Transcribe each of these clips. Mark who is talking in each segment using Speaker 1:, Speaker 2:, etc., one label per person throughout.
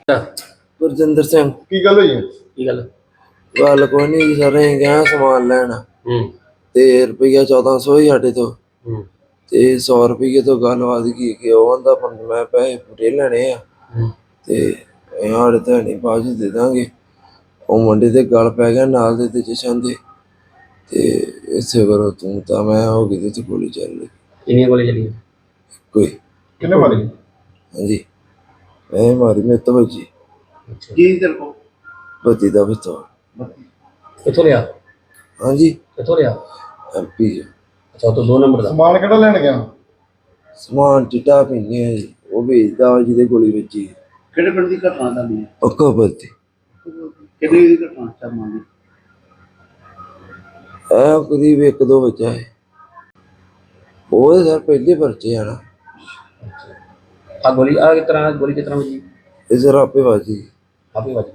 Speaker 1: ਗੁਰਜਿੰਦਰ ਸਿੰਘ।
Speaker 2: ਕੀ ਗੱਲ ਹੋਈ ਹੈ?
Speaker 3: ਕੀ ਗੱਲ?
Speaker 1: ਗੱਲ ਕੋਈ ਨਹੀਂ ਸਰ, ਅਸੀਂ ਗਏ ਸਮਾਨ ਲੈਣ ਤੇ ਰੁਪਈਆ 1400 ਹੀ ਸਾਡੇ ਤੋਂ ਤੇ 100 ਰੁਪਈਏ ਤੋਂ ਗੱਲ ਵੱਧ ਗਈ ਕਿ ਉਹ ਆਂਦਾ ਮੈਂ ਪੈਸੇ ਪੂਰੇ ਲੈਣੇ ਆ ਤੇ ਸਾਡੇ ਤਾਂ ਨਹੀਂ ਬਾਅਦ 'ਚ ਦੇ ਦਾਂਗੇ। ਉਹ ਮੁੰਡੇ ਦੇ ਗੱਲ ਪੈ ਗਿਆ ਨਾਲ ਦੇ ਤੇ ਜਸ਼ਨ ਦੇ ਤੇ ਇਸੇ ਕਰੋ ਤੂੰ ਤਾਂ ਮੈਂ ਹੋ ਗਈ ਤੇ ਗੋਲੀ ਚੱਲ ਗਈ।
Speaker 3: ਕਿੰਨੀਆਂ ਗੋਲੀਆਂ ਚੱਲੀਆਂ?
Speaker 1: ਕੋਈ
Speaker 2: ਕਿੰਨੇ ਮਾਰੀ?
Speaker 1: ਹਾਂਜੀ ਮੈਂ ਮਾਰੀ ਮੇਰੇ ਤੋਂ ਵੱਜੀ।
Speaker 2: ਕੀ ਤੇਰੇ ਕੋਲ?
Speaker 1: ਬੱਤੀ ਦਾ ਪਿਸਤੌਲ।
Speaker 3: ਕਿੱਥੋਂ ਲਿਆ?
Speaker 1: ਹਾਂਜੀ
Speaker 3: ਕਿੱਥੋਂ ਲਿਆ?
Speaker 1: MP।
Speaker 3: ਅੱਛਾ, ਤੂੰ 2 ਨੰਬਰ ਦਾ
Speaker 2: ਸਮਾਨ ਕਿਹੜਾ ਲੈਣ ਗਿਆ?
Speaker 1: ਸਮਾਨ ਚਿੱਟਾ ਪੀਂਦੇ ਆ ਜੀ, ਉਹ ਵੇਚਦਾ ਵਾ ਜਿਹਦੇ ਗੋਲੀ ਵੱਜੀ।
Speaker 2: ਕਿਹੜੇ ਪਿੰਡ ਦੀ ਘਟਨਾ ਦਾ ਨਹੀਂ?
Speaker 1: ਪੱਕਾ ਬੱਤੀ।
Speaker 2: ਕਿਹੜੀ ਦੀ ਘਟਨਾ ਚਾਹਾਂ ਦੀ?
Speaker 1: ਕਰੀਬ 1-2 ਬੱਚਾ ਹੈ। ਉਹ ਸਰ ਪਹਿਲੇ ਪਰਚੇ ਆ ਨਾ।
Speaker 3: ਆ ਗੋਲੀ ਆ ਕਿਸ ਤਰ੍ਹਾਂ ਵੱਜੀ?
Speaker 1: ਇਹ ਸਰ ਆਪੇ ਵੱਜੀ।
Speaker 3: ਆਪੇ ਵੱਜ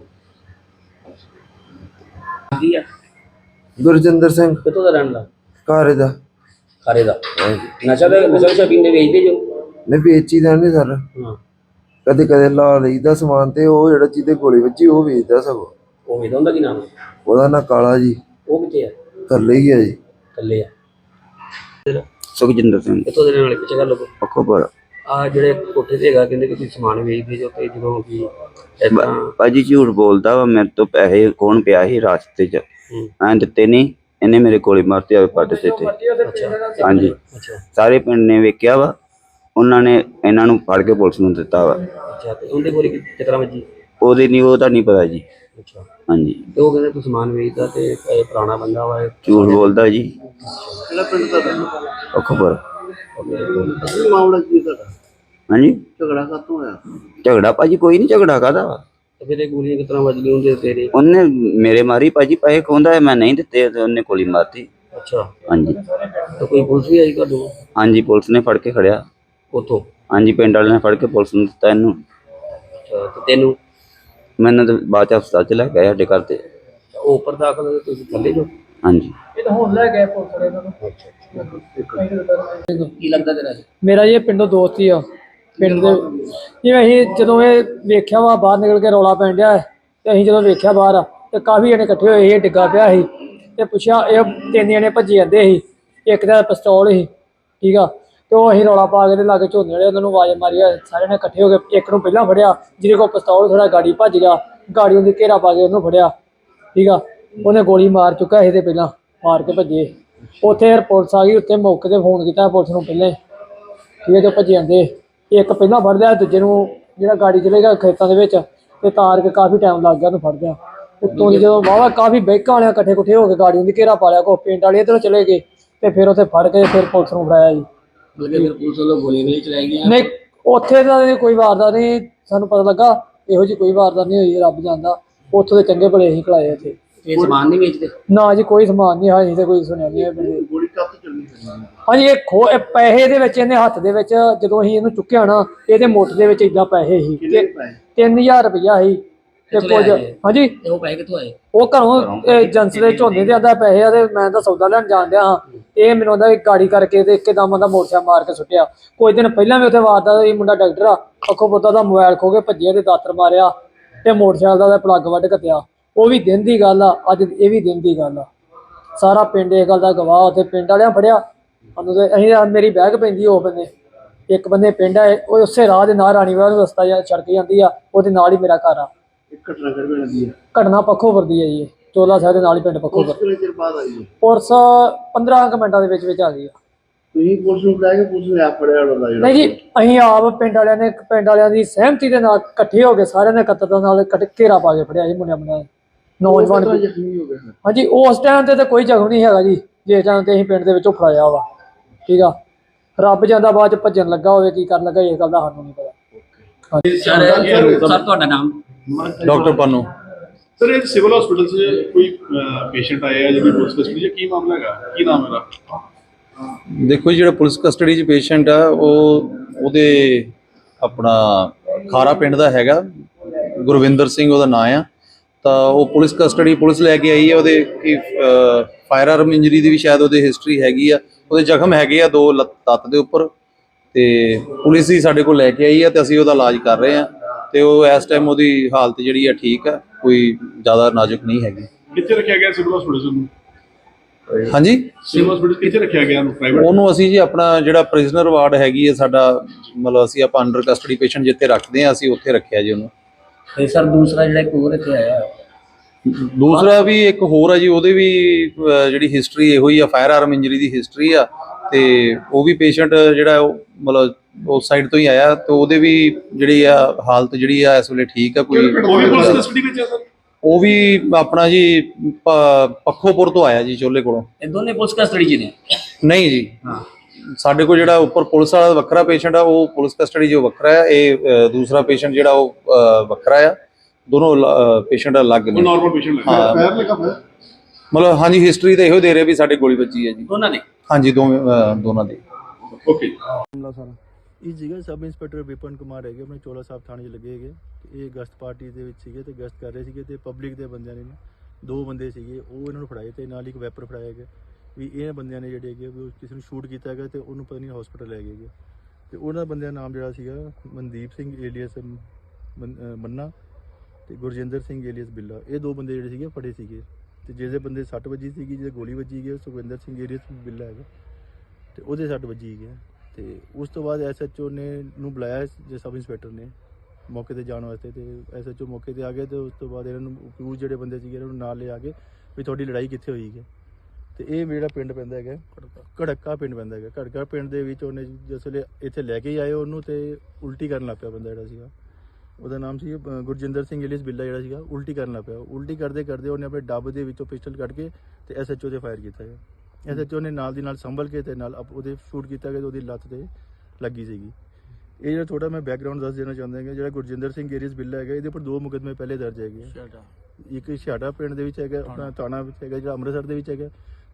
Speaker 3: ਗਈ।
Speaker 1: ਗੁਰਜਿੰਦਰ ਸਿੰਘ।
Speaker 3: ਕਿੱਥੋਂ ਦਾ ਰਹਿਣ ਦਾ?
Speaker 1: ਘਰ ਦਾ।
Speaker 3: ਖਾਰੇ ਦਾ।
Speaker 1: ਹਾਂਜੀ।
Speaker 3: ਨਸ਼ਾ ਪੀਂਦੇ ਵੇਚਦੇ ਜੋ?
Speaker 1: ਨਹੀਂ ਵੇਚੀ ਦਾ ਨਹੀਂ ਸਰ,
Speaker 3: ਹਾਂ।
Speaker 1: ਕਦੇ ਕਦੇ ਲਾ ਲਈਦਾ ਸਮਾਨ ਤੇ ਉਹ ਜਿਹੜਾ ਜਿਹਦੇ ਗੋਲੀ ਵੱਜੀ ਉਹ ਵੇਚਦਾ ਸਗੋਂ।
Speaker 3: ਉਹ ਵੇਚਦਾ ਹੁੰਦਾ? ਕੀ ਨਾਮ?
Speaker 1: ਉਹਦਾ ਨਾਂ ਕਾਲਾ ਜੀ।
Speaker 3: ਉਹ ਕਿੱਥੇ ਆ?
Speaker 1: ਥੱਲੇ ਹੀ ਆ ਜੀ।
Speaker 3: ਥੱਲੇ ਆ।
Speaker 4: ਸੁਖਜਿੰਦਰ ਸਿੰਘ।
Speaker 3: ਕਿੱਥੋਂ ਦੇ ਰਹਿਣ ਵਾਲੇ? ਪਿੱਛੇ ਕਰ ਲੋ।
Speaker 4: ਪੱਖੋਪੁਰ।
Speaker 3: ਆ ਜਿਹੜੇ ਕੋਠੇ ਤੇ ਹੈਗਾ ਕਹਿੰਦੇ ਕਿ ਤੁਸੀਂ ਸਮਾਨ ਵੇਚਦੇ ਜੋ ਤੇ ਜਦੋਂ ਕਿ
Speaker 4: ਭਾਜੀ ਝੂਠ ਬੋਲਦਾ ਵਾ, ਮੇਰੇ ਤੋਂ ਪੈਸੇ ਕੌਣ ਪਿਆ ਸੀ ਰਾਸਤੇ 'ਚ, ਮੈਂ ਦਿੱਤੇ ਨਹੀਂ, ਇਹਨੇ ਮੇਰੇ ਗੋਲੀ ਮਾਰਤੀ ਆਵੇ ਪੱਟ ਤੇ। ਹਾਂਜੀ, ਸਾਰੇ ਪਿੰਡ ਨੇ ਵੇਖਿਆ ਵਾ, ਉਹਨਾਂ ਨੇ ਇਹਨਾਂ ਨੂੰ ਫੜ ਕੇ ਪੁਲਿਸ ਨੂੰ ਦਿੱਤਾ ਵਾ।
Speaker 3: ਅੱਛਾ, ਤੇ ਉਹਦੇ ਗੋਲੀ ਕਿਸ ਤਰ੍ਹਾਂ ਵੱਜੀ?
Speaker 4: ਉਹਦੇ ਨਹੀਂ, ਉਹਦਾ ਨਹੀਂ ਪਤਾ ਜੀ।
Speaker 3: ਅੱਛਾ,
Speaker 4: ਹਾਂਜੀ।
Speaker 3: ਤੇ ਉਹ ਕਹਿੰਦੇ ਤੂੰ ਸਮਾਨ ਵੇਚਦਾ ਤੇ ਇਹ ਪੁਰਾਣਾ ਬੰਦਾ ਵਾ।
Speaker 4: ਝੂਠ ਬੋਲਦਾ ਜੀ।
Speaker 2: ਕਿਹੜਾ ਪਿੰਡ ਦਾ?
Speaker 4: ਪੱਖੋਪੁਰ।
Speaker 2: ਅਸਲੀ ਮਾਮਲਾ ਕੀ ਹੈ ਤੁਹਾਡਾ?
Speaker 4: ਹਾਂਜੀ।
Speaker 2: ਝਗੜਾ ਕਾਹਤੋਂ ਹੋਇਆ?
Speaker 4: ਝਗੜਾ ਭਾਜੀ ਕੋਈ ਨਹੀਂ, ਝਗੜਾ ਕਾਹਦਾ ਵਾ?
Speaker 3: ਤੇ ਫਿਰ ਇਹ ਗੋਲੀਆਂ ਕਿਸ ਤਰ੍ਹਾਂ ਵੱਜ ਗਈਆਂ ਉਹਦੇ ਤੇਰੇ?
Speaker 4: ਉਹਨੇ ਮੇਰੇ ਮਾਰੀ ਭਾਜੀ, ਪੈਸੇ ਖੋਹਦਾ ਮੈਂ ਨਹੀਂ ਦਿੱਤੇ ਤੇ ਉਹਨੇ ਗੋਲੀ ਮਾਰਤੀ।
Speaker 3: ਅੱਛਾ।
Speaker 4: ਹਾਂਜੀ।
Speaker 3: ਤੇ ਕੋਈ ਪੁਲਿਸ ਵੀ ਆਈ ਤੁਹਾਨੂੰ?
Speaker 4: ਹਾਂਜੀ, ਪੁਲਿਸ ਨੇ ਫੜ ਕੇ ਖੜਿਆ।
Speaker 3: ਉੱਥੋਂ?
Speaker 4: ਹਾਂਜੀ, ਪਿੰਡ ਵਾਲਿਆਂ ਨੇ ਫੜ ਕੇ ਪੁਲਿਸ ਨੂੰ ਦਿੱਤਾ ਇਹਨੂੰ।
Speaker 3: ਅੱਛਾ, ਤੇ ਤੈਨੂੰ?
Speaker 4: ਮੈਨੂੰ ਤਾਂ ਬਾਅਦ 'ਚ ਹਸਪਤਾਲ 'ਚ ਲੈ ਕੇ ਆਏ ਸਾਡੇ ਘਰ ਤੇ।
Speaker 3: ਉਹ ਉੱਪਰ ਦਾਖਲ ਹੋਏ, ਤੁਸੀਂ ਥੱਲੇ ਜੋ?
Speaker 4: ਹਾਂਜੀ।
Speaker 3: ਇਹ ਤਾਂ ਹੁਣ ਲੈ ਗਏ ਪੁਲਿਸ ਵਾਲੇ ਇਹਨਾਂ ਨੂੰ। ਕੀ ਲੱਗਦਾ ਤੇਰਾ?
Speaker 5: ਮੇਰਾ ਇਹ ਪਿੰਡੋਂ ਦੋਸਤ ਹੀ ਆ। ਪਿੰਡ ਦੇ ਜਿਵੇਂ ਅਸੀਂ ਜਦੋਂ ਇਹ ਵੇਖਿਆ ਵਾ ਬਾਹਰ ਨਿਕਲ ਕੇ ਰੌਲਾ ਪੈਣ ਡਿਆ ਤੇ ਅਸੀਂ ਜਦੋਂ ਵੇਖਿਆ ਬਾਹਰ ਤੇ ਕਾਫੀ ਜਣੇ ਇਕੱਠੇ ਹੋਏ ਸੀ, ਡਿੱਗਾ ਪਿਆ ਸੀ ਤੇ ਪੁੱਛਿਆ, ਇਹ 3 ਜਣੇ ਭੱਜੇ ਜਾਂਦੇ ਸੀ, ਇੱਕ ਦਾ ਪਿਸਤੌਲ ਸੀ, ਠੀਕ ਆ। ਤੇ ਉਹ ਅਸੀਂ ਰੌਲਾ ਪਾ ਕੇ ਤੇ ਲਾਗੇ ਝੋਨੇ ਵਾਲੇ ਉਹਨਾਂ ਨੂੰ ਆਵਾਜ਼ ਮਾਰੀ, ਸਾਰਿਆਂ ਨੇ ਇਕੱਠੇ ਹੋ ਕੇ ਇੱਕ ਨੂੰ ਪਹਿਲਾਂ ਫੜਿਆ, ਜਿਹਦੇ ਕੋਲ ਪਿਸਤੌਲ ਥੋੜਾ ਗਾੜੀ ਭੱਜ ਗਿਆ, ਗਾੜੀ ਉਹਦੀ ਘੇਰਾ ਪਾ ਕੇ ਉਹਨੂੰ ਫੜਿਆ, ਠੀਕ ਆ। ਉਹਨੇ ਗੋਲੀ ਮਾਰ ਚੁੱਕਾ ਸੀ ਤੇ ਪਹਿਲਾਂ ਮਾਰ ਕੇ ਭੱਜੇ। ਉੱਥੇ ਪੁਲਿਸ ਆ ਗਈ, ਉੱਥੇ ਮੌਕੇ ਤੇ ਫੋਨ ਕੀਤਾ ਪੁਲਿਸ ਨੂੰ ਪਹਿਲਾਂ, ਠੀਕ ਹੈ। ਜੋ ਭੱਜੇ ਜਾਂਦੇ, ਇੱਕ ਪਹਿਲਾਂ ਫੜ ਲਿਆ, ਦੂਜੇ ਨੂੰ ਜਿਹੜਾ ਗਾੜੀ ਚਲੇਗਾ ਖੇਤਾਂ ਦੇ ਵਿੱਚ ਤੇ ਤਾਰ ਕੇ ਕਾਫੀ ਟਾਈਮ ਲੱਗ ਗਿਆ ਉਹਨੂੰ ਫੜਦਿਆਂ। ਉੱਤੋਂ ਦੀ ਜਦੋਂ ਵਾਹਵਾ ਕਾਫੀ ਬੈਕਾਂ ਵਾਲਿਆਂ ਇਕੱਠੇ ਕੁੱਠੇ ਹੋ ਕੇ ਗਾੜੀ ਦੀ ਘੇਰਾ ਪਾ ਲਿਆ, ਕੋ ਪਿੰਡ ਵਾਲੇ ਇੱਧਰੋਂ ਚਲੇ ਗਏ ਤੇ ਫਿਰ ਉੱਥੇ ਫੜ ਕੇ ਫਿਰ ਪੁਲਿਸ ਨੂੰ ਫੜਾਇਆ ਜੀ।
Speaker 3: ਫਿਰ ਪੁਲਿਸ ਵੱਲੋਂ ਗੋਲੀਆਂ ਨਹੀਂ ਚਲਾਈ ਗਈਆਂ?
Speaker 5: ਨਹੀਂ, ਉੱਥੇ ਤਾਂ ਕੋਈ ਵਾਰਦਾਤ ਨਹੀਂ ਸਾਨੂੰ ਪਤਾ ਲੱਗਾ, ਇਹੋ ਜਿਹੀ ਕੋਈ ਵਾਰਦਾਤ ਨਹੀਂ ਹੋਈ, ਰੱਬ ਜਾਣਦਾ। ਉੱਥੋਂ ਦੇ ਚੰਗੇ ਭਲੇ ਅਸੀਂ ਖਿਲਾਏ ਉੱਥੇ।
Speaker 3: ਇਹ ਸਮਾਨ ਨਹੀਂ ਵੇਚਦੇ? ਨਾ
Speaker 5: ਜੀ, ਕੋਈ ਸਮਾਨ ਨਹੀਂ ਹੈ, ਤੇ ਕੋਈ ਸੁਣਿਆ ਨਹੀਂ।
Speaker 2: ਗੋਲੀ ਕਾਹਤੋਂ ਚੱਲਣੀ?
Speaker 5: ਹਾਂਜੀ, ਇਹ ਪੈਸੇ ਦੇ ਵਿੱਚ ਇਹਨੇ ਹੱਥ ਦੇ ਵਿੱਚ ਜਦੋਂ ਅਸੀਂ ਇਹਨੂੰ ਚੁੱਕਿਆ ਨਾ, ਇਹਦੇ ਮੁੱਠ ਦੇ ਵਿੱਚ ਏਦਾਂ ਪੈਸੇ ਸੀ, 3000 ਰੁਪਇਆ ਸੀ ਤੇ ਕੁਝ। ਹਾਂਜੀ।
Speaker 3: ਉਹ ਪੈਸੇ ਕਿੱਥੋਂ ਆਏ?
Speaker 5: ਉਹ ਘਰੋਂ ਏਜੰਸੀ ਦੇ ਝੋਨੇ ਦੇ ਆਂਦਾ ਪੈਸੇ ਆ ਤੇ ਮੈਂ ਤਾਂ ਸੌਦਾ ਲੈਣ ਜਾਣ ਡਿਆ ਹਾਂ। ਇਹ ਮੈਨੂੰ ਆਂਦਾ ਗਾੜੀ ਕਰਕੇ ਤੇ ਇੱਕਦਮ ਆਂਦਾ ਮੋਟਰਸਾਈਕਲ ਮਾਰ ਕੇ ਸੁੱਟਿਆ। ਕੁਝ ਦਿਨ ਪਹਿਲਾਂ ਵੀ ਉੱਥੇ ਵਾਰਦਾ ਸੀ, ਮੁੰਡਾ ਡਾਕਟਰ ਆ, ਅੱਖੋਂ ਪੁੱਤਾ ਦਾ ਮੋਬਾਈਲ ਖੋ ਕੇ ਭੱਜਿਆ ਤੇ ਦਾਤਰ ਮਾਰਿਆ ਤੇ ਮੋਟਰਸਾਈਕਲ ਦਾ ਪਲੱਗ ਵੱਢ ਕੱਤਿਆ। ਉਹ ਵੀ ਦਿਨ ਦੀ ਗੱਲ ਆ, ਅੱਜ ਇਹ ਵੀ ਦਿਨ ਦੀ ਗੱਲ ਆ। ਸਾਰਾ ਪਿੰਡ ਇਸ ਗੱਲ ਦਾ ਗਵਾਹ। ਉੱਥੇ ਪਿੰਡ ਵਾਲਿਆਂ ਫੜਿਆ ਸਾਨੂੰ ਤੇ ਅਸੀਂ, ਮੇਰੀ ਬੈਗ ਪੈਂਦੀ ਉਹ ਬੰਦੇ, ਇੱਕ ਬੰਦੇ ਪਿੰਡ ਆ, ਉਹ ਉਸੇ ਰਾਹ ਦੇ ਨਾਲ ਰਾਣੀਵਾਲ ਨੂੰ ਰਸਤਾ ਸੜਕ ਜਾਂਦੀ ਆ, ਉਹਦੇ ਨਾਲ ਹੀ ਮੇਰਾ ਘਰ ਆ। ਘਟਨਾ ਪੱਖੋਪੁਰ ਦੀ ਹੈ ਜੀ, ਚੋਲਾ ਸਾਹਿਬ ਦੇ ਨਾਲ ਹੀ ਪਿੰਡ ਪੱਖੋਪੁਰ। ਪੁਲਿਸ 15 ਮਿੰਟਾਂ ਦੇ ਵਿੱਚ ਆ ਗਈ ਆ।
Speaker 2: ਤੁਸੀਂ ਪੁਲਿਸ ਨੂੰ ਬੁਲਾ ਕੇ ਪੁਲਿਸ ਨੇ ਆਪ ਫੜਿਆ?
Speaker 5: ਨਹੀਂ ਜੀ, ਅਸੀਂ ਆਪ ਪਿੰਡ ਵਾਲਿਆਂ ਦੀ ਸਹਿਮਤੀ ਦੇ ਨਾਲ ਇਕੱਠੇ ਹੋ ਕੇ ਸਾਰਿਆਂ ਨੇ ਇਕੱਤਰਤਾ ਨਾਲ ਘੇਰਾ ਪਾ ਕੇ ਫੜਿਆ ਜੀ ਮੁੰਡਿਆਂ ਨੌਜਵਾਨ। ਹਾਂਜੀ, ਉਸ ਟਾਈਮ ਤੇ ਤਾਂ ਕੋਈ ਜ਼ਖਮ ਨਹੀਂ ਹੈਗਾ ਜੀ, ਜਿਸ ਟਾਈਮ ਤੇ ਅਸੀਂ ਪਿੰਡ ਦੇ ਵਿੱਚੋਂ ਫੜਾਇਆ ਵਾ, ਠੀਕ ਆ। ਰੱਬ ਜਾਂਦਾ ਬਾਅਦ ਚ ਭੱਜਣ ਲੱਗਾ ਹੋਵੇ, ਕੀ ਕਰਨ ਲੱਗਾ, ਇਸ ਗੱਲ ਦਾ ਸਾਨੂੰ ਨਹੀਂ ਪਤਾ।
Speaker 3: ਸਰ, ਤੁਹਾਡਾ ਨਾਮ?
Speaker 6: ਡਾਕਟਰ ਪਾਨੂ।
Speaker 7: ਸਰ, ਇਹ ਸਿਵਲ ਹਸਪੀਟਲ 'ਚ ਕੋਈ ਪੇਸ਼ੈਂਟ ਆਇਆ ਜਿਹਦੀ ਪੁਲਿਸ ਕਸਟਡੀ 'ਚ, ਕੀ ਮਾਮਲਾ ਹੈਗਾ, ਕੀ ਨਾਮ ਇਹਦਾ?
Speaker 6: ਦੇਖੋ ਜੀ, ਜਿਹੜਾ ਪੁਲਿਸ ਕਸਟਡੀ 'ਚ ਪੇਸ਼ੈਂਟ ਆ ਉਹਦੇ ਆਪਣਾ ਖਾਰਾ ਪਿੰਡ ਦਾ ਹੈਗਾ, ਗੁਰਵਿੰਦਰ ਸਿੰਘ ਉਹਦਾ ਨਾਂ ਆ। ਤਾਂ ਉਹ ਪੁਲਿਸ ਕਸਟਡੀ ਪੁਲਿਸ ਲੈ ਕੇ ਆਈ ਹੈ। ਉਹਦੇ ਕੀ ਫਾਇਰ ਆਰਮ ਇੰਜਰੀ ਦੀ ਵੀ ਸ਼ਾਇਦ ਉਹਦੇ ਹਿਸਟਰੀ ਹੈਗੀ ਆ, ਉਹਦੇ ਜ਼ਖਮ ਹੈਗੇ ਆ 2 ਲੱਤ ਦੇ ਉੱਪਰ, ਤੇ ਪੁਲਿਸ ਹੀ ਸਾਡੇ ਕੋਲ ਲੈ ਕੇ ਆਈ ਹੈ ਤੇ ਅਸੀਂ ਉਹਦਾ ਇਲਾਜ ਕਰ ਰਹੇ ਹਾਂ। ਤੇ ਉਹ ਇਸ ਟਾਈਮ ਉਹਦੀ ਹਾਲਤ ਜਿਹੜੀ ਆ ਠੀਕ ਆ, ਕੋਈ ਜ਼ਿਆਦਾ ਨਾਜ਼ੁਕ ਨਹੀਂ ਹੈਗੀ।
Speaker 7: ਕਿੱਥੇ ਰੱਖਿਆ ਗਿਆ ਸਿਵਲ ਹਸਪੀਟਲ ਨੂੰ?
Speaker 6: ਹਾਂਜੀ,
Speaker 7: ਸਿਵਲ ਹਸਪੀਟਲ ਕਿੱਥੇ ਰੱਖਿਆ ਗਿਆ ਉਹਨੂੰ? ਪ੍ਰਾਈਵੇਟ?
Speaker 6: ਉਹਨੂੰ ਅਸੀਂ ਜੀ ਆਪਣਾ ਜਿਹੜਾ ਪ੍ਰਿਜ਼ਨਰ ਵਾਰਡ ਹੈਗੀ ਹੈ ਸਾਡਾ, ਮਤਲਬ ਅਸੀਂ ਆਪਾਂ ਅੰਡਰ ਕਸਟਡੀ ਪੇਸ਼ੈਂਟ ਜਿੱਥੇ ਰੱਖਦੇ ਹਾਂ ਅਸੀਂ ਉੱਥੇ ਰੱਖਿਆ ਜੀ ਉਹਨੂੰ।
Speaker 3: ਤੇ ਸਰ ਦੂਸਰਾ ਜਿਹੜਾ ਇੱਕ ਹੋਰ ਇੱਥੇ ਆਇਆ
Speaker 6: ਦੂਸਰਾ ਵੀ ਇੱਕ ਹੋਰ ਆ ਜੀ, ਉਹਦੇ ਵੀ ਜਿਹੜੀ ਹਿਸਟਰੀ ਇਹੋ ਹੀ ਆ, ਫਾਇਰ ਆਰਮ ਇੰਜਰੀ ਦੀ ਹਿਸਟਰੀ ਆ, ਤੇ ਉਹ ਵੀ ਪੇਸ਼ੈਂਟ ਜਿਹੜਾ ਉਹ ਮਤਲਬ ਉਸ ਸਾਈਡ ਤੋਂ ਹੀ ਆਇਆ, ਤੇ ਉਹਦੇ ਵੀ ਜਿਹੜੀ ਆ ਹਾਲਤ ਜਿਹੜੀ ਆ ਇਸ ਵੇਲੇ ਠੀਕ ਆ। ਕੋਈ
Speaker 7: ਉਹ ਵੀ ਪੁਲਿਸ ਕਸਟਡੀ ਵਿੱਚ ਹੈ ਸਰ?
Speaker 6: ਉਹ ਵੀ ਆਪਣਾ ਜੀ ਪੱਖੋਪੁਰ ਤੋਂ ਆਇਆ ਜੀ, ਚੋਲੇ ਕੋਲੋਂ।
Speaker 3: ਇਹ ਦੋਨੇ ਪੁਲਿਸ ਕਸਟਡੀ 'ਚ ਨੇ?
Speaker 6: ਨਹੀਂ ਜੀ, ਸਾਡੇ ਕੋਲ ਜਿਹੜਾ ਉੱਪਰ ਪੁਲਿਸ ਵਾਲਾ ਵੱਖਰਾ ਪੇਸ਼ੈਂਟ ਆ ਉਹ ਪੁਲਿਸ ਕਸਟਡੀ ਜੋ ਵੱਖਰਾ ਆ, ਇਹ ਦੂਸਰਾ ਪੇਸ਼ੈਂਟ ਜਿਹੜਾ ਉਹ ਵੱਖਰਾ ਆ। ਦੋਨੋਂ ਪੇਸ਼ੈਂਟ ਅਲੱਗ ਨੇ।
Speaker 7: ਨਾਰਮਲ ਪੇਸ਼ੈਂਟ ਲੱਗਾ?
Speaker 6: ਹਾਂ,
Speaker 2: ਪੈਰ ਲੱਗਾ ਹੋਇਆ?
Speaker 6: ਮਤਲਬ ਹਾਂਜੀ ਹਿਸਟਰੀ ਤਾਂ ਇਹੋ ਦੇ ਰਹੇ ਵੀ ਸਾਡੇ ਗੋਲੀ ਵੱਜੀ ਹੈ ਜੀ
Speaker 3: ਦੋਨਾਂ ਦੇ?
Speaker 6: ਹਾਂਜੀ, ਦੋਨਾਂ ਦੀ।
Speaker 7: ਓਕੇ।
Speaker 8: ਇਹ ਸੀਗਾ ਸਬ ਇੰਸਪੈਕਟਰ ਵਿਪਨ ਕੁਮਾਰ ਹੈਗੇ, ਆਪਣੇ ਚੋਲਾ ਸਾਹਿਬ ਥਾਣੇ 'ਚ ਲੱਗੇ ਹੈਗੇ। ਇਹ ਗਸ਼ਤ ਪਾਰਟੀ ਦੇ ਵਿੱਚ ਸੀਗੇ ਤੇ ਗਸ਼ਤ ਕਰ ਰਹੇ ਸੀਗੇ, ਤੇ ਪਬਲਿਕ ਦੇ ਬੰਦਿਆਂ ਨੇ 2 ਬੰਦੇ ਸੀਗੇ ਉਹ ਇਹਨਾਂ ਨੂੰ ਫੜਾਏ, ਤੇ ਨਾਲ ਇੱਕ ਵੈਪਰ ਫੜਾਇਆ ਹੈਗਾ ਵੀ ਇਹ ਬੰਦਿਆਂ ਨੇ ਜਿਹੜੇ ਹੈਗੇ ਵੀ ਕਿਸੇ ਨੂੰ ਸ਼ੂਟ ਕੀਤਾ ਹੈਗਾ, ਤੇ ਉਹਨੂੰ ਪਤਾ ਨਹੀਂ ਹਸਪੀਟਲ ਲੈ ਗਏ ਹੈਗੇ। ਤੇ ਉਹਨਾਂ ਬੰਦਿਆਂ ਦਾ ਨਾਮ ਜਿਹੜਾ ਸੀਗਾ ਮਨਦੀਪ ਸਿੰਘ ਏਲੀਅਸ ਮੰਨਾ ਤੇ ਗੁਰਜਿੰਦਰ ਸਿੰਘ ਏਲੀਅਸ ਬਿੱਲਾ। ਇਹ 2 ਬੰਦੇ ਜਿਹੜੇ ਸੀਗੇ ਫੜੇ ਸੀਗੇ, ਤੇ ਜਿਹਦੇ ਬੰਦੇ 60 ਵੱਜੀ ਸੀਗੀ, ਜਿਹਦੇ ਗੋਲੀ ਵੱਜੀ ਗਈ ਸੁਖਵਿੰਦਰ ਸਿੰਘ ਏਲੀਅਸ ਬਿੱਲਾ ਹੈਗਾ, ਤੇ ਉਹਦੇ 60 ਵੱਜੀ ਗਈ। ਤੇ ਉਸ ਤੋਂ ਬਾਅਦ ਐਸਐਚਓ ਨੇ ਨੂੰ ਬੁਲਾਇਆ ਜੇ ਸਬ ਇੰਸਪੈਕਟਰ ਨੇ ਮੌਕੇ ਤੇ ਜਾਣ ਵਾਸਤੇ, ਤੇ ਐਸਐਚਓ ਮੌਕੇ ਤੇ ਆ ਗਏ, ਤੇ ਉਸ ਤੋਂ ਬਾਅਦ ਇਹਨਾਂ ਨੂੰ ਅਕਿਊਜ਼ ਜਿਹੜੇ ਬੰਦੇ ਸੀਗੇ ਇਹਨਾਂ ਨੂੰ ਨਾਲ ਲਿਆ ਕੇ ਵੀ ਤੁਹਾਡੀ ਲੜਾਈ ਕਿੱਥੇ ਹੋਈ ਹੈ। ਤੇ ਇਹ ਜਿਹੜਾ ਪਿੰਡ ਪੈਂਦਾ ਹੈਗਾ ਘੜਕਾ ਪਿੰਡ ਪੈਂਦਾ ਹੈਗਾ। ਘੜਕਾ ਪਿੰਡ ਦੇ ਵਿੱਚ ਉਹਨੇ ਜਿਸ ਵੇਲੇ ਇੱਥੇ ਲੈ ਕੇ ਆਏ ਉਹਨੂੰ, ਤੇ ਉਲਟੀ ਕਰਨ ਲੱਗ ਪਿਆ ਬੰਦਾ ਜਿਹੜਾ ਸੀਗਾ, ਉਹਦਾ ਨਾਮ ਸੀ ਗੁਰਜਿੰਦਰ ਸਿੰਘ ਏਲੀਅਸ ਬਿੱਲਾ ਜਿਹੜਾ ਸੀਗਾ, ਉਲਟੀ ਕਰਨ ਲੱਗ ਪਿਆ। ਉਲਟੀ ਕਰਦੇ ਕਰਦੇ ਉਹਨੇ ਆਪਣੇ ਡੱਬ ਦੇ ਵਿੱਚੋਂ ਪਿਸਟਲ ਕੱਢ ਕੇ ਤੇ ਐਸਐਚਓ ਤੇ ਫਾਇਰ ਕੀਤਾ ਹੈ। ਐਸਐਚਓ ਨੇ ਨਾਲ ਦੀ ਨਾਲ ਸੰਭਲ ਕੇ ਤੇ ਨਾਲ ਉਹਦੇ ਸ਼ੂਟ ਕੀਤਾ ਗਿਆ, ਤੇ ਉਹਦੀ ਲੱਤ ਤੇ ਲੱਗੀ ਸੀਗੀ। ਇਹ ਜਿਹੜਾ ਥੋੜਾ ਮੈਂ ਬੈਕਗਰਾਉਂਡ ਦੱਸ ਦੇਣਾ ਚਾਹੁੰਦਾ ਹਾਂ, ਜਿਹੜਾ ਗੁਰਜਿੰਦਰ ਸਿੰਘ ਏਲੀਅਸ ਬਿੱਲਾ ਹੈਗਾ, ਇਹਦੇ ਉੱਪਰ 2 ਮੁਕੱਦਮੇ ਪਹਿਲੇ ਦਰਜ ਹੈਗੇ। ਇੱਕ ਛਾੜਾ ਪਿੰਡ ਦੇ ਵਿੱਚ ਹੈਗਾ, ਆਪਣਾ ਥਾਣਾ ਵਿੱਚ ਹੈਗਾ, ਜਿਹੜਾ ਅੰਮ੍ਰਿਤਸਰ ਦੇ ਵਿੱਚ ਹੈਗਾ।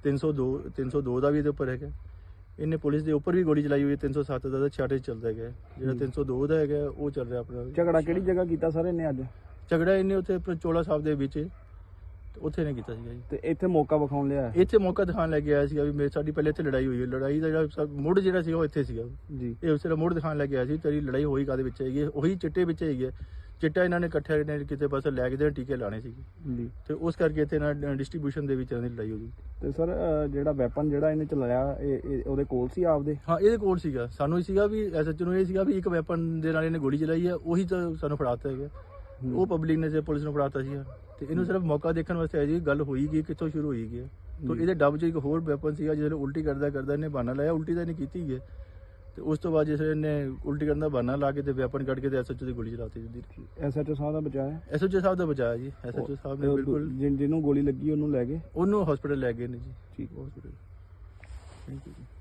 Speaker 8: 302 ਦਾ ਵੀ ਇਹਦੇ ਉੱਪਰ ਹੈਗਾ। ਇਹਨੇ ਪੁਲਿਸ ਦੇ ਉੱਪਰ ਵੀ ਗੋਲੀ ਚਲਾਈ ਹੋਈ ਹੈ। 307 ਦਾ ਛਾੜੇ ਚੱਲਦਾ ਹੈਗਾ। ਜਿਹੜਾ 302 ਦਾ ਹੈਗਾ ਉਹ ਚੱਲ ਰਿਹਾ ਆਪਣਾ।
Speaker 5: ਝਗੜਾ ਕਿਹੜੀ ਜਗ੍ਹਾ ਕੀਤਾ ਸਰ ਇਹਨੇ ਅੱਜ?
Speaker 8: ਝਗੜਾ ਇਹਨੇ ਉੱਥੇ ਚੋਲਾ ਸਾਹਿਬ ਦੇ ਵਿੱਚ ਉੱਥੇ ਨੇ ਕੀਤਾ ਸੀਗਾ ਜੀ।
Speaker 5: ਤੇ ਇੱਥੇ ਮੌਕਾ ਵਿਖਾਉਣ ਲਿਆ?
Speaker 8: ਇੱਥੇ ਮੌਕਾ ਦਿਖਾਉਣ ਲੈ ਕੇ ਆਇਆ ਸੀਗਾ ਵੀ ਸਾਡੀ ਪਹਿਲੇ ਇੱਥੇ ਲੜਾਈ ਹੋਈ ਹੈ। ਲੜਾਈ ਦਾ ਜਿਹੜਾ ਮੁੱਢ ਜਿਹੜਾ ਸੀਗਾ ਉਹ ਇੱਥੇ ਸੀਗਾ
Speaker 5: ਜੀ।
Speaker 8: ਇਹ ਉਸ ਤਰ੍ਹਾਂ ਮੁੱਢ ਦਿਖਾਉਣ ਲੈ ਕੇ ਆਇਆ ਸੀ ਤੇਰੀ ਲੜਾਈ ਹੋਈ ਕਾਹਦੇ ਵਿੱਚ ਹੈਗੀ, ਉਹੀ ਚਿੱਟੇ ਵਿੱਚ ਹੈਗੀ ਹੈ। ਚਿੱਟਾ ਇਹਨਾਂ ਨੇ ਇਕੱਠੇ ਨੇ ਕਿਤੇ ਪਾਸੇ ਲੈ ਕੇ ਟੀਕੇ ਲਾਣੇ ਸੀਗੇ
Speaker 5: ਜੀ,
Speaker 8: ਤੇ ਉਸ ਕਰਕੇ ਇੱਥੇ ਨਾ ਡਿਸਟ੍ਰੀਬਿਊਸ਼ਨ ਦੇ ਵਿੱਚ ਇਹਨਾਂ ਦੀ ਲੜਾਈ ਹੋ ਗਈ।
Speaker 5: ਤੇ ਸਰ ਜਿਹੜਾ ਵੈਪਨ ਜਿਹੜਾ ਇਹਨੇ ਚਲਾਇਆ ਇਹ ਉਹਦੇ ਕੋਲ ਸੀ ਆਪਦੇ?
Speaker 8: ਹਾਂ, ਇਹਦੇ ਕੋਲ ਸੀਗਾ। ਸਾਨੂੰ ਇਹ ਸੀਗਾ ਵੀ ਐਸਐਚਓ ਨੂੰ ਇਹ ਸੀਗਾ ਵੀ ਇੱਕ ਵੈਪਨ ਦੇ ਨਾਲ ਇਹਨੇ ਗੋਲੀ ਚਲਾਈ ਹੈ, ਉਹੀ ਤਾਂ ਸਾਨੂੰ ਫੜਾਤਾ ਹੈਗਾ। ਉਹ ਪਬਲਿਕ ਨੇ ਪੁਲਿਸ ਨੂੰ ਫੜਾਤਾ ਸੀਗਾ, ਤੇ ਇਹਨੂੰ ਸਿਰਫ ਮੌਕਾ ਦੇਖਣ ਵਾਸਤੇ ਆਇਆ ਜੀ ਗੱਲ ਹੋਈ ਗਈ ਕਿੱਥੋਂ ਸ਼ੁਰੂ ਹੋਈ ਗਈ। ਤਾਂ ਇਹਦੇ ਡੱਬ 'ਚ ਇੱਕ ਹੋਰ ਵੈਪਨ ਸੀਗਾ, ਜਿਹਦੇ ਉਲਟੀ ਕਰਦਾ ਇਹਨੇ ਬਹਾਨਾ ਲਾਇਆ। ਉਲਟੀ ਤਾਂ ਇਹਨੇ ਕੀਤੀ ਹੈ, ਤੇ ਉਸ ਤੋਂ ਬਾਅਦ ਜਿਸ ਇਹਨੇ ਉਲਟੀ ਕਰਨ ਦਾ ਬਹਾਨਾ ਲਾ ਕੇ ਤੇ ਵੈਪਨ ਕੱਢ ਕੇ ਤੇ ਐਸਐਚਓ ਦੀ ਗੋਲੀ ਚਲਾਤੀ ਜੀ।
Speaker 5: ਐਸਐਚਓ ਸਾਹਿਬ ਦਾ ਬਚਾਇਆ?
Speaker 8: ਐਸਐਚਓ ਸਾਹਿਬ ਦਾ ਬਚਾਇਆ ਜੀ। ਐਸਐਚਓ ਸਾਹਿਬ ਨੇ ਬਿਲਕੁਲ
Speaker 5: ਜਿਹਨੂੰ ਗੋਲੀ ਲੱਗੀ ਉਹਨੂੰ ਲੈ ਗਏ?
Speaker 8: ਉਹਨੂੰ ਹਸਪੀਟਲ ਲੈ ਗਏ ਨੇ ਜੀ।
Speaker 5: ਠੀਕ,
Speaker 8: ਹਸਪੀਟਲ। ਥੈਂਕ ਯੂ ਜੀ।